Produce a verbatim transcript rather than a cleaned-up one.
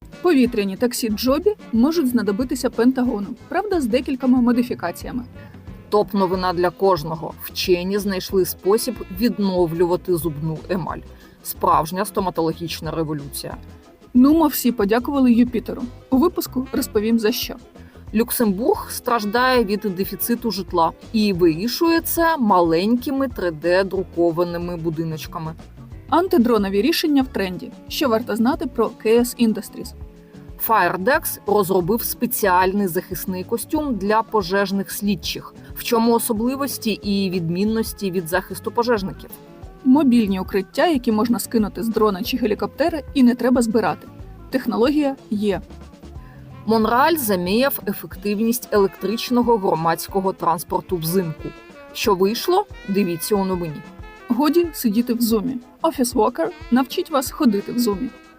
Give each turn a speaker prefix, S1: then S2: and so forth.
S1: Повітряні таксі Джобі можуть знадобитися Пентагону, правда, з декількома модифікаціями.
S2: Топ-новина для кожного. Вчені знайшли спосіб відновлювати зубну емаль. Справжня стоматологічна революція.
S1: Нумо всі подякували Юпітеру. У випуску розповім за що.
S2: Люксембург страждає від дефіциту житла і вирішує це маленькими три де-друкованими будиночками.
S1: Антидронові рішення в тренді. Що варто знати про кей ес Industries?
S2: Firedex розробив спеціальний захисний костюм для пожежних слідчих. В чому особливості і відмінності від захисту пожежників?
S1: Мобільні укриття, які можна скинути з дрона чи гелікоптера і не треба збирати. Технологія є.
S2: Монреаль заміяв ефективність електричного громадського транспорту взимку. Що вийшло? Дивіться у новині.
S1: Годі сидіти в зумі. Office Walker навчить вас ходити в зумі.